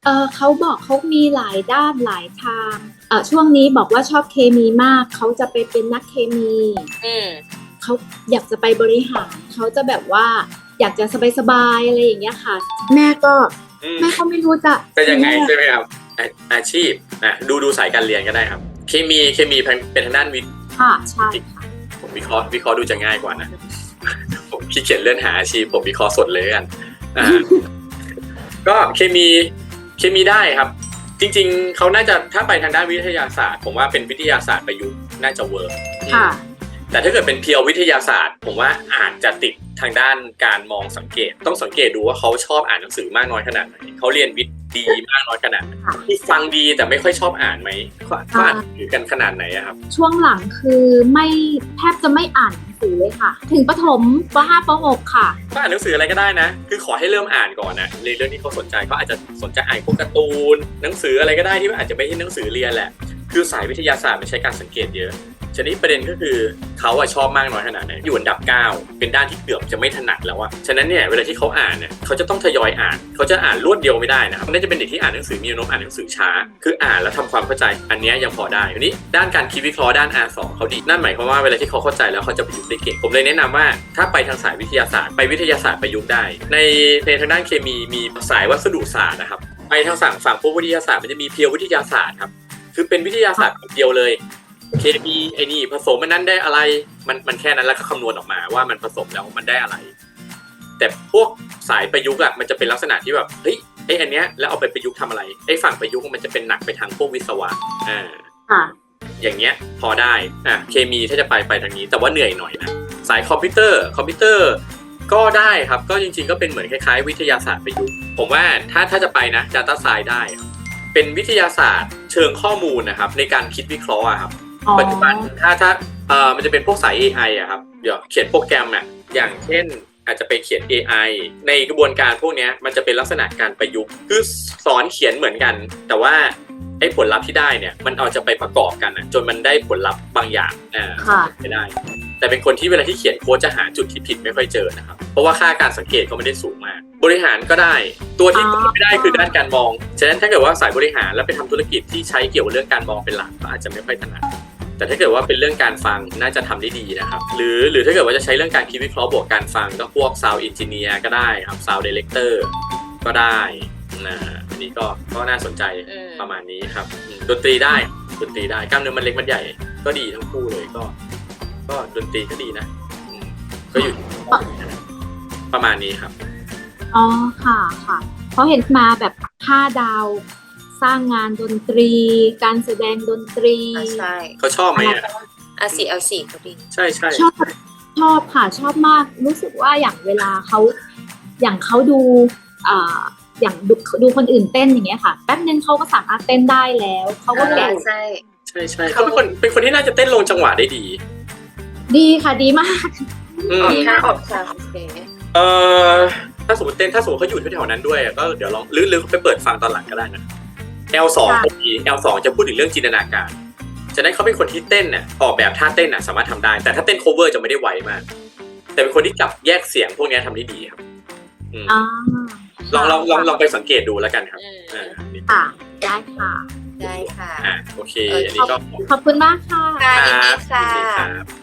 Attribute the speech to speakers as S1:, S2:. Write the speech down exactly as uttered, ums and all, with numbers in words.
S1: เออเขาบอกเขามีหลายด้านหลายทางเออช่วงนี้บอกว่าชอบเคมีมากเขาจะไปเป็นนักเคมี
S2: อืม
S1: เขาอยากจะไปบริหารเขาจะแบบว่าอยากจะสบายๆอะไรอย่างเงี้ยค่ะ แม่ก็
S3: อืม
S1: แม่ก็ไม่รู้จะ
S3: จะยังไงใช่ไหมครับอาอาชีพอ่ะดูดูสายการเรียนก็ได้ครับ เคมีเคมีเป็นเป็นทางด้านวิทย์
S1: ค่ะใช่ค่ะ
S3: ผมวิเคราะห์วิเคราะห์ดูจะง่ายกว่านะ ผมขี้เกียจเลื่อนหาอาชีพผมวิเคราะห์สดเลยกันอ่า ก็เคมีเคมีได้ครับ จริงๆเขาน่าจะถ้าไปทางด้านวิทยาศาสตร์ ผมว่าเป็นวิทยาศาสตร์ประยุกต์น่าจะเวิร์ก
S1: ค่ะ
S3: แต่ถ้าเกิดเป็นเพียววิทยาศาสตร์ ผมว่าอาจจะติดทางด้านการมองสังเกต ต้องสังเกตดูว่าเขาชอบอ่านหนังสือมากน้อยขนาดไหนเขาเรียนวิทย์ดีมากน้อยขนาดไหนที่ฟังดีแต่ไม่ค่อยชอบอ่านไหมเขาเขาอ่านหนังสือกันขนาดไหนอะครับ
S1: ช่วงหลังคือไม่แทบจะไม่อ่านหนังสือเลยค่ะ ถึงประถมป .ห้า ป .หก ค่ะ
S3: ก็อ่านหนังสืออะไรก็ได้นะ คือขอให้เริ่มอ่านก่อนนะในเรื่องที่เขาสนใจเขาอาจจะสนใจอ่านพวกการ์ตูนหนังสืออะไรก็ได้ที่อาจจะไม่ใช่หนังสือเรียนแหละ คือสายวิทยาศาสตร์มันใช้การสังเกตเยอะฉะนั้นประเด็นก็คือเขาอะชอบมากน้อยขนาดไหนอยู่อันดับเก้าเป็นด้านที่เกือบจะไม่ถนัดแล้วอะฉะนั้นเนี่ยเวลาที่เขาอ่านเนี่ยเขาจะต้องทยอยอ่านเขาจะอ่านรวดเดียวไม่ได้นะครับน่าจะเป็นเด็กที่อ่านหนังสือมีแนวโน้มอ่านหนังสือช้าคืออ่านแล้วทำความเข้าใจอันเนี้ยยังพอได้ทีนี้ด้านการคิดวิเคราะห์ด้าน อาร์ สอง เขาดีนั่นหมายความว่าเวลาที่เขาเข้าใจแล้วเขาจะประยุกต์ได้เก่งผมเลยแนะนำว่าถ้าไปทางสายวิทยาศาสตร์ไปวิทยาศาสตร์ประยุกต์ได้ในในทางด้านเคมีมีสายวัสดุศาสตร์นะครับไปทางฝั่งฝั่งพวกวิทยาศาสตร์มันจะมีเพียววิทยาศาสตร์ครับคือเป็นวิทยาศาสตร์เดียวเลยเคมีไอ้นี่ผสมมันนั้นได้อะไรมันมันแค่นั้นแล้วก็คำนวณออกมาว่ามันผสมแล้วมันได้อะไรแต่พวกสายประยุกต์อะมันจะเป็นลักษณะที่แบบเฮ้ยไอ้อันเนี้ยแล้วเอาไปประยุกต์ทำอะไรไอ้ฝั่งประยุกต์มันจะเป็นหนักไปทางพวกวิศวะอ่า
S1: ค่ะ
S3: อย่างเงี้ยพอได้อ่ะเคมีถ้าจะไปไปทางนี้แต่ว่าเหนื่อยหน่อยนะสายคอมพิวเตอร์คอมพิวเตอร์ก็ได้ครับก็จริงๆก็เป็นเหมือนคล้ายๆวิทยาศาสตร์ประยุกต์ผมว่าถ้าถ้าจะไปนะ Data Science ได้ครับเป็นวิทยาศาสตร์เชิงข้อมูลนะครับในการคิดวิเคราะห์อะครับปัจจุบันถ้าถ้าเอ่อมันจะเป็นพวกสาย เอ ไอ อะครับเดี๋ยวเขียนโปรแกรมอะอย่างเช่นอาจจะไปเขียน เอ ไอ ในกระบวนการพวกนี้มันจะเป็นลักษณะการประยุกต์คือสอนเขียนเหมือนกันแต่ว่าไอ้ผลลัพธ์ที่ได้เนี่ยมันเอาจะไปประกอบกันนะจนมันได้ผลลัพธ์บางอย่างอ่าไม่ได้แต่เป็นคนที่เวลาที่เขียนโค้ดจะหาจุดที่ผิดไม่ค่อยเจอนะครับเพราะว่าค่าการสังเกตก็ไม่ได้สูงมากบริหารก็ได้ตัวที่ไม่ได้คือด้านการมองฉะนั้นถ้าเกิดว่าสายบริหารแล้วไปทำธุรกิจที่ใช้เกี่ยวกับเรื่องการมองเป็นหลักก็อาจจะไม่ค่อยถนัดแต่ถ้าเกิดว่าเป็นเรื่องการฟังน่าจะทำได้ดีนะครับหรือหรือถ้าเกิดว่าจะใช้เรื่องการคิดวิเคราะห์บวกการฟังก็พวก Sound Engineer ก็ได้ครับ Sound Director ก็ได้นะอันนี้ก็ก็น่าสนใจประมาณนี้ครับดนตรีได้ดนตรีได้กล้ามเนื้อมันเล็กมันใหญ่ก็ดีทั้งคู่เลยก็ก็ดนตรีก็ดีนะก็อยู่ประมาณนี้ครับ
S1: อ๋อค่ะค่ะเพราะเห็นมาแบบห้าดาวสร้างงานดนตรี การแสดงดนตรี
S2: ใช่
S3: เขาชอบไหมอ่ะ
S2: อาสี่เอาสี่ก็ดี
S3: ใช่ใช่
S1: ชอบชอบค่ะชอบมากรู้สึกว่าอย่างเวลาเขาอย่างเขาดูอ่าอย่างดูดูคนอื่นเต้นอย่างเงี้ยค่ะแป๊บนึงเขาก็สามารถเต้นได้แล้วเขาก็แกะ
S2: ใช่
S3: ใช่ใช่เขาเป็นคนเป็นคนที่น่าจะเต้นลงจังหวะได้ดี
S1: ดีค่ะดีมาก
S2: ออกท่าออกทางโอเค
S3: เอ่อถ้าสมมติเต้นถ้าสมมติเขาอยู่แถวๆนั้นด้วยก็เดี๋ยวลองหรือหรือไปเปิดฟังตอนหลังก็ได้นะ แอล สอง พอดี แอล สอง จะพูดถึงเรื่องจินตนาการฉะนั้นเขาเป็นคนที่เต้นน่ะออกแบบท่าเต้นน่ะสามารถทำได้แต่ถ้าเต้น cover จะไม่ได้ไวมากแต่เป็นคนที่จับแยกเสียงพวกนี้ทำได้ดีครับลองลองลองลองไปสังเกตดูแล้วกันครับ
S1: อ่าค่ะได้ค่ะ
S2: ได้ค่ะ
S3: อ่าโอเคอันนี้ก็
S1: ขอบคุณมากค่ะ
S2: ค่ะยินดีค่ะ